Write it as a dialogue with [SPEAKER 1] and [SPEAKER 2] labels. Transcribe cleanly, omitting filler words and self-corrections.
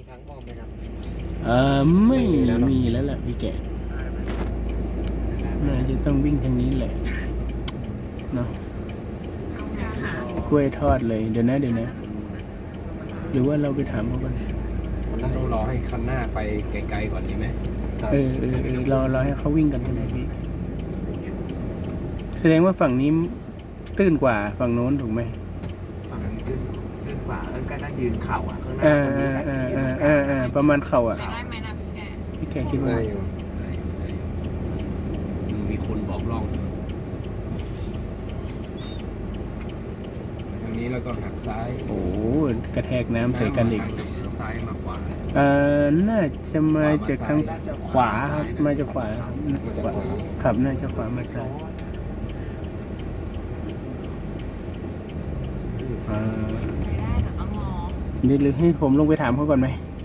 [SPEAKER 1] ทางอ้อมไหมครับ
[SPEAKER 2] ไม่มีแล้วแหละพี่แกน่าจะต้องวิ่งทางนี้แหละเนาะกล้วยทอดเลยเดี๋ยวนะหรือว่าเราไปถามเขาก่อน
[SPEAKER 3] ต้องรอให้คันหน้าไปไกลๆก่อนดีไหม
[SPEAKER 2] เราให้เขาวิ่งกันใช่ไหมพี่แสดงว่าฝั่งนี้ตื้นกว่าฝั่งโน้นถูกไหม
[SPEAKER 4] ฝั่งนี้ตื้นกว่าก็น่ายืนเข่าข้างหน้าคนดูแบบนี้
[SPEAKER 2] ประมาณเข่าอ่ะ
[SPEAKER 5] ได้ไหมนะพี่แก
[SPEAKER 2] พี่แกคิดว่า
[SPEAKER 1] ได้อยู่
[SPEAKER 3] มีคนบอกล่องทางนี้แล้วก็หักซ้าย
[SPEAKER 2] โอ้กระแทกน้ำใส่กันอีก
[SPEAKER 3] ซ้ายมากกว่า
[SPEAKER 2] น่าจะมาจากทางขวาครับมาจากขวาขับน่าจะขวามาซ้าย
[SPEAKER 5] ไม่ได้แต่ต้องรอ
[SPEAKER 2] หรือให้ผมลงไปถามเขาก่อนไหม
[SPEAKER 5] ไ